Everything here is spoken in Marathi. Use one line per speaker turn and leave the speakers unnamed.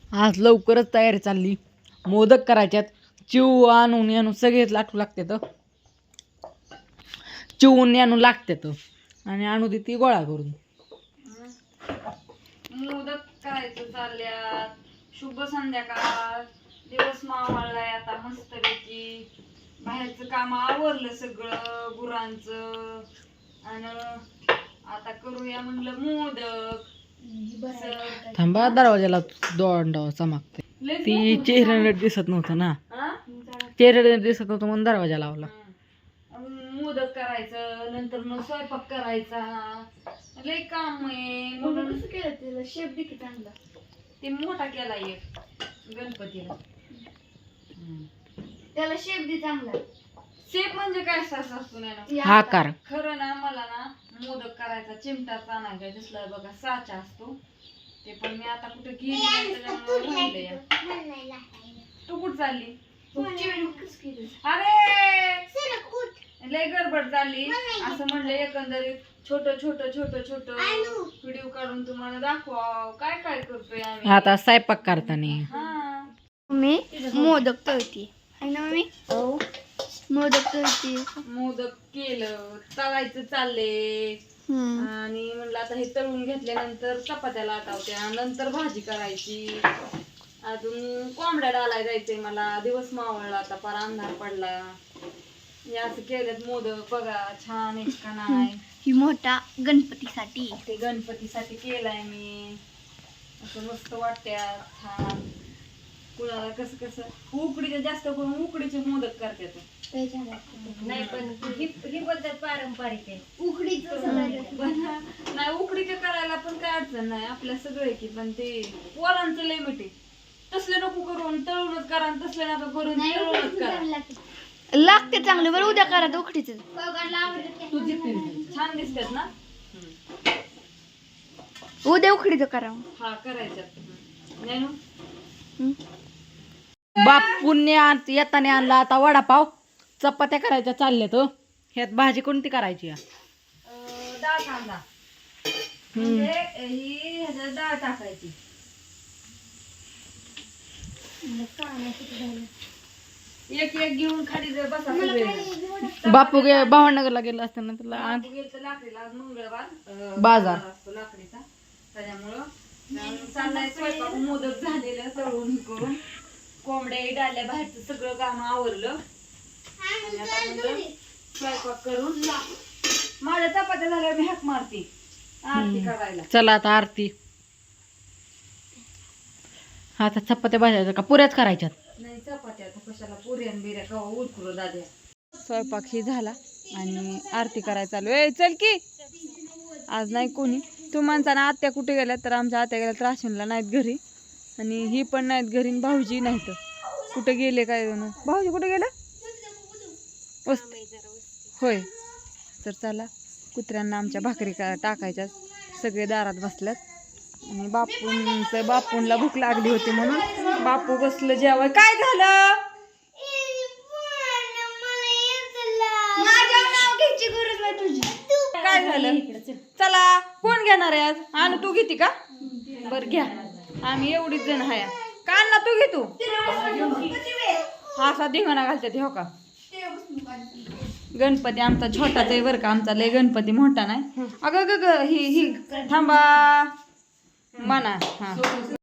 आज लवकरच तयारी चालली. मोदक करायच्यात. चिव आणून सगळेच लाटू लागतात. चिवून आणून लागतात आणि आणू दे ती गोळा करून.
मोदक करायचं चालल्यात. शुभ संध्याकाळ. दिवस मावळलाय आता मस्तपैकी. बाहेरचं काम आवरलं सगळं गुरांचं. आणि आता करूया म्हणलं मोदक.
थांबा दरवाजाला दोंडावा चमकते. ती चेहऱ्याने दिसत नव्हतं ना. चेहऱ्याने दिसत नव्हतं म्हणून दरवाजा लावला.
मोदक करायचं नंतर मग स्वयंपाक करायचा. लय काम आहे म्हणून कसं केलं त्याला शेप दे की चांगला. ते मोठा केला एक गणपतीला. त्याला शेप दे चांगला. शेप म्हणजे काय असतो ना
आकार.
खरं ना मला ना मोदक करायचा चिमटाच आणायचा दिसला बघा साचा असतो ते पण मी आता कुठे गेली त्याच्यामुळे तू कुठं चालली. अरे लय गडबड झाली असं म्हणलं एकंदरीत छोट छोट छोट छोट व्हिडिओ काढून तुम्हाला दाखवा काय काय करतोय आम्ही
आता स्वयंपाक करताना.
मी मोदक तळते आहे ना मम्मी. मोदक तळते.
मोदक केलं तळायचं चालले आणि म्हणलं आता हे तळून घेतल्यानंतर चपात्या लाटावत्या नंतर भाजी करायची. अजून कोंबड्या डालाय जायचंय मला. दिवस मावळला आता पार अंधार पडला. असं केल्यात मोदक बघा छान एक का नाही.
ही मोठा गणपतीसाठी.
ते गणपतीसाठी केलाय मी. असं मस्त वाटत्यात छान. कुणाला कसं कसं उकडीचे जास्त करून उकडीचे मोदक करतात. नाही पण ही पद्धत पारंपरिक आहे उकडीचं. नाही उकडीचे करायला पण काय अडचण नाही आपल्या सगळे की पण ते पोरांचं लिमिट आहे. तसले नको करून तळूनच करा आणि तसले नको करून तळूनच करा.
लागते चांगलं बरं उद्या करा उकडीचं.
तुझी छान दिसतात ना.
उद्या उकडीचं करा.
हा करायच्यात नाही ना.
बापूंनी येताना आणला आता वडापाव. चपात्या करायच्या चालल्यात. ह्यात भाजी कोणती करायची.
डाळ कांदा म्हणजे ही ह्याच्यात डाळ टाकायची. एक एक घेऊन खाली बसा.
बापू भावनगरला गेला असताना तुला
लाकडीला मंगळवार
बाजार
असतो लाकडीचा त्याच्यामुळं चाललाय स्वयंपाक. मोदक झालेलं तळून करून कोंबड्या डाल्या बाहेरचं सगळं काम आवरलं आणि आता म्हणलं स्वयंपाक करून माझ्या चपात्या झाल्या मी हाक मारते आरती करायला.
चला आता आरती. आता चपात्या भाजायच्या का पुऱ्याच करायच्यात.
नाही चपात्या आता कशाला पुऱ्यान बिऱ्या कवा उरकुर दाद्या.
स्वयंपाक ही झाला आणि आरती करायला चालू. ए चल की आज नाही कोणी. तू माणसाना आत्या कुठे गेल्या तर आमच्या आत्या गेल्या राशनला नाहीत घरी आणि ही पण नाहीत घरी. भाऊजी नाहीत कुठे गेले काय जण. भाऊजी कुठे गेलं होय. तर चला कुत्र्यांना आमच्या भाकरी टाकायच्या. सगळे दारात बसल्यात आणि बापूंला भूक लागली होती म्हणून बापू बसलं जेवाय. काय झालं काय झालं. चला कोण घेणार आहे आज. आणू तू घेते का. बर घ्या आम्ही एवढीच जण आहे. का ना तू घे तू. असा धिंगाणा घालतात हो का. गणपती आमचा छोटाच आहे बरं का. आमचा लय गणपती मोठा नाही. अगं ग ही थांबा म्हणा. हा